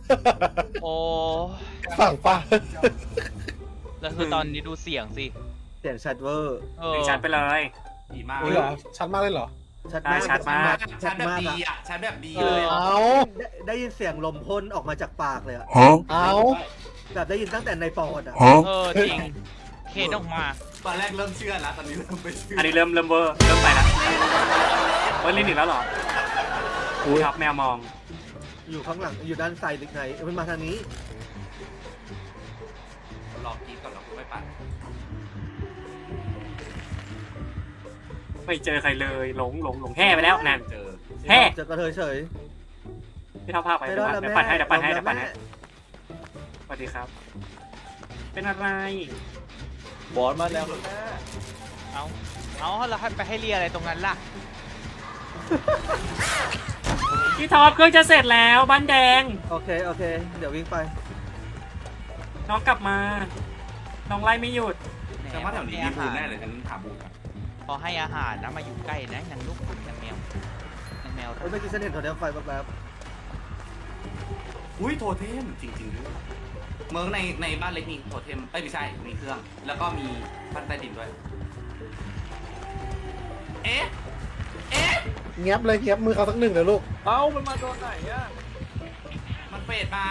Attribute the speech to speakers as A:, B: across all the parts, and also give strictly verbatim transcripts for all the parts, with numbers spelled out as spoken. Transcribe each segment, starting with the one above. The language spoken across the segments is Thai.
A: โอ้
B: ฝั่งป่ะ
A: แล้วคือตอนนี้ดูเสียงสิ
C: เสียงชัดเวอร์
A: เออ
D: ชัดไปเลย
E: ดีมาก
B: เหรอชัดมากเลยเหรอ
C: ชัดมาก
D: ชัดมาก
E: ชัดแบบดีอ่ะชัดแบบดี
A: เอ
E: เล
A: อย
B: เอา
C: ได้ได้ยินเสียงลมพ่นออกมาจากปากเลยอะ
B: เอา
C: แบบได้ยินตั้งแต่ในปอดอะ
A: เออจริงเคนออกมา
E: ตอนแรกเริ่มเชื่อแล้วตอนนี้เริ่มไม่เชื่อ
D: อันนี้เริ่มเริ่มเวอร์เริ่มไปแล้วเฮ้ยลิ้นอีกแล้วเหรออุ้ยครับแมวมอง
C: อยู่ข้างหลังอยู่ด้านซ้ายหรือไงเอ้ยมันมาทางนี้
E: รอกินก่อนเราไม่ปัด
D: ไม่เจอใครเลยหลงหลงหลงแห่ไปแล้วนั่น
E: เจอ
D: แห่
C: เจอกระเทยเฉย
D: พี่เท่าภาพไป
C: ไม่
D: เดี๋
C: ร
D: ยว
C: อดแล้ว
D: ปัดให้เดี๋ยวปัดให้
C: แม่
D: เดี๋ยวปัดให้
C: แม่
D: สวัสดีครับ เป็นอะไร
F: บอสมาแล้วแม่
A: เอาเอาแล้วให้ไปให้เรียอะไรตรงนั้นล่ะ
D: พี่ท็อปเครื่องจะเสร็จแล้วบ้านแดง
C: โอเคโอเค เดี๋ยววิ่งไป
D: น้องกลับมา น้องไล่ไม่หยุด
E: แต่ว่าแถวนี้มีบูนแน่เลยฉันถามบูน
A: พอให้อาหารนะมาอยู่ใกล้นะนางลูกคุณนางแมวนางแมว
C: เฮ้ยเมื่อกี้ฉันเห็นโทรเทมไฟแป๊บ
E: อุ้ยโทเทมจริงๆด้วยเมืองในในบ้านเล็กมีโทเทมเอ้ยไม่ใช่มีเครื่อง แล้วก็มีบ้านใต้ดินด้วย เอ๊ะเอ๊ะ
B: เงียบเลยเงียบมือเขาสักหนึ่งเลยลูก
F: เอ้ามันมาโดนไหนอ่ะ
E: มันเฟดมา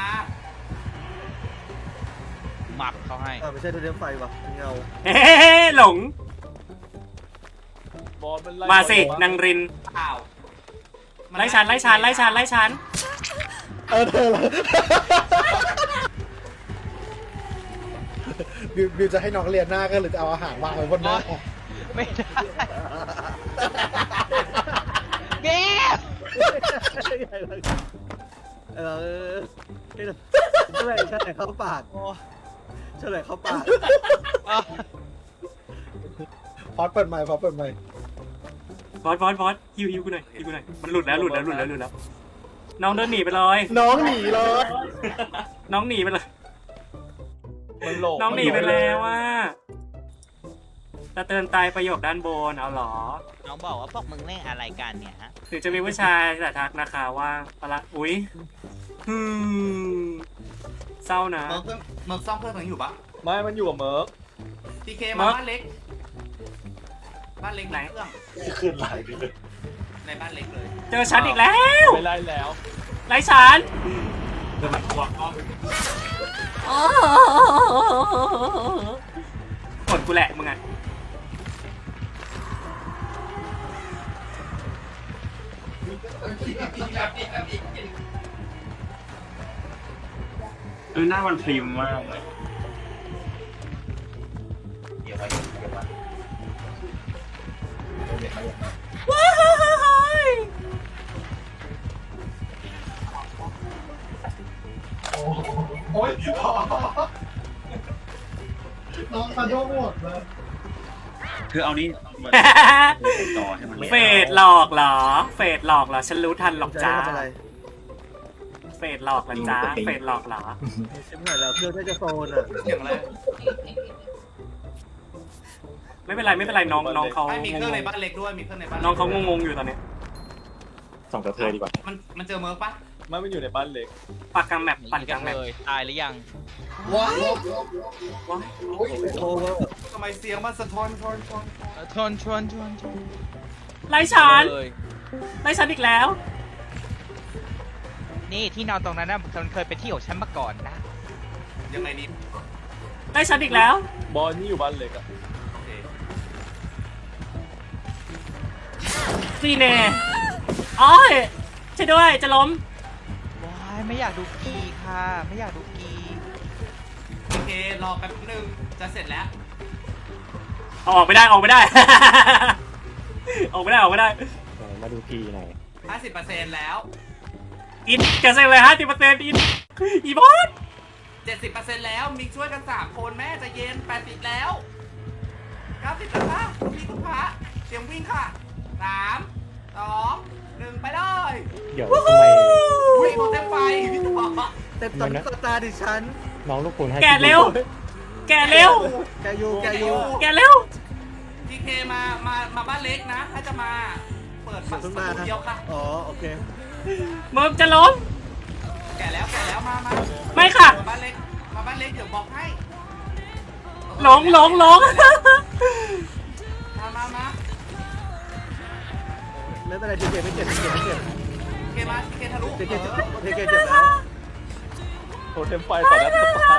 A: หมักเขาให้
C: ๆอ่าไม่ใช่โทรเทมไฟวะเป็นเงา
D: เฮ้หลง
F: บอสมันไล่
D: มาสินางริน
E: อ้าว
D: ไล่ชันไล่ชันไล่ชันไล่ชัน
B: เออเธอละบิวบิวจะให้น้องเรียนหน้าก็หรือจะเอาอาหารวางไว้บนหน้า
A: ไม่ได้เบ๊
C: เออเฉลยเฉลยเข้าปาก
A: โอ้
C: เฉลยเข้าปาก
A: เอา
B: พอดเปิดใหม่พอดเปิดใหม่
D: ฟอสฟอสฟอสฮิวฮิวกูหน่อยฮิวกูหน่อยมันหลุดแล้วหลุดแล้วหลุดแล้วหลุดแล้วน้องเดินหนีไปเลย
B: น้องหนีเลย
D: น้องหนีไปเลย
F: มันโหล
D: น้องหนีไปแล้วว่าจะเตือนตายประโยคด้านบนเอาเหรอ
A: น้องบอกว่าพวกมึงเล่นอะไรกันเนี่ยฮะ
D: ถึงจะมีผู้ชายแต่ทักนะคะว่าปะละอุ๊ยฮึมเศร้านะ
E: เมิร์กเพิ่งเมิร์กซ่อมเครื่องถึงอยู่ปะ
F: ไม่มันอยู่กับเมิร์ก
E: ทีเค
D: เมิ
E: มา
D: ร์ก
E: บ้านเล็ก บ้านเล็ก
D: ไหน
E: เครื่อง
B: ขึ้นไหลเลย
E: ในบ้านเล็กเลย
D: เจอฉันอีกแล้ว
F: ไม่ไล่แล้ว
D: ไร้ฉันกดกูแหละมึงอ่ะ
G: คือหน้ามันพริมมากเลย
D: ว้าย
B: โอ๊ยน้องกระโดดหมดเลย
G: คือเอานี้มาต่อให้มัน
D: เฟดหลอกเหรอ เฟดหลอกเหรอ ฉันรู้ทันหรอก
C: จะ
D: จ้า
C: ทำอะไร
D: เฟดหลอกเหรอจ้า เฟดหลอกเหรอ
C: ชิมหายแล้วเครื่องน่าจะโซนอ่ะ
E: เสียงอะไร
D: ไม่เป็นไรไม่เป็นไรน้องน้องเขา
E: ไม่มีเครื่องในบ้านเล็กด้วย มีเครื่องในบ้าน
D: น้องเขางงๆอยู่ตอนนี้
G: ส่งกระเทยดีกว่า
E: มันมันเจอเมิร์กปะ
F: ไม่มันอยู่ในบ้านเล็ก
D: ปักกลางแมป
A: หนี
D: ปั่นก
A: กั
D: ลาน งแมป
A: เลยตายหรือยัง
B: ว้าว
D: ว้าย
C: โอเวอร์
E: ทำไมเสียงมันสะท้อนทอนทอน
A: เออชวนชวนชวนชวน
D: ไล่ฉัน
A: เลย
D: ไล่ฉันอีกแล้ว
A: นี่ที่นอนตรงนั้นนะมันเคยเป็นที่ของฉันมาก่อนนะ
E: ยังไงนี่
D: ไล่ฉันอีกแล้ว
F: บอสนี่อยู่บ้านเล็กอ่ะ
E: โอเค
D: ซีเน่อ้อยช่วยด้วยจะล้ม
A: ว้ายไม่อยากดูกีค่ะ ไม่อยากดูกี
E: โอเค รอแป๊บนึง จะเสร็จแล้ว
D: ออกไม่ได้ออกไม่ได้ ออกไม่ได้ออกไม่ได้
G: มาดูพีหน่อย
E: ห้าสิบเปอร์เซ็นต์ แล้ว
D: อินจะเซ็งเลยฮะสิบเปอร์เซ็นต์อินอีบอส
E: เจ็ดสิบเปอร์เซ็นต์ แล้ว มีช่วยกันสามคนแม่ใจะเย็นแปดสิบแล้วเก้าสิบแล้วค่ะคุณพี่คุณพระเตรียมวิ่งค่ะสามสองหนึ่งไปเลย
G: เดี๋ยวทำไม
E: วิ่งโดนเต็มไฟพี่ตัว
C: เต็มตอนตาดิฉัน
G: น้องลูกคุณให้
D: แกเร็ว แกเร็ว
C: แกยูแกยู
D: แกเร็ว
E: ทีเคมา มา มาบ้านเล็กนะ ถ้าจะมา เปิดประ
C: เพิ่ง
E: ตู
C: มานะ
E: เดียวค่ะ
C: อ๋อโอเค
D: เมิร์กจะล้ม
E: แก่แล้วแก่แล้วมามา
D: ไม่ค่ะ
E: มาบ้านเล็กมาบ้านเล็กเดี๋ยวบอกให้
D: หลงหลงหลง
E: มามามา
C: ไม่เป็นไรทีเจ็บไม่เจ็บไม่เจ็บไม่เจ็บ
E: เคมาเคทะลุ
C: ทีเจ็บ
E: เออ
C: ทีเจ็บเจ็บแล้ว
F: โทเทมไฟต่อหน้าต่อตา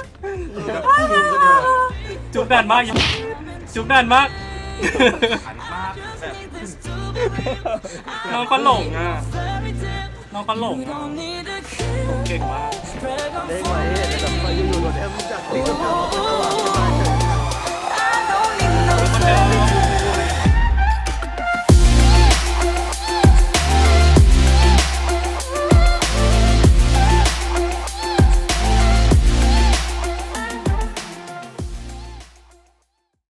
D: จุกนานมากจุกนานมาก
E: หันมาแบบ
D: น้องก็หลงอ่ะน้องก็หลงอ่ะเก่งมาก
C: เด้งไว้แต่แบบไปอยู่ๆโดนแอมจับตีกับเขาระหว่าง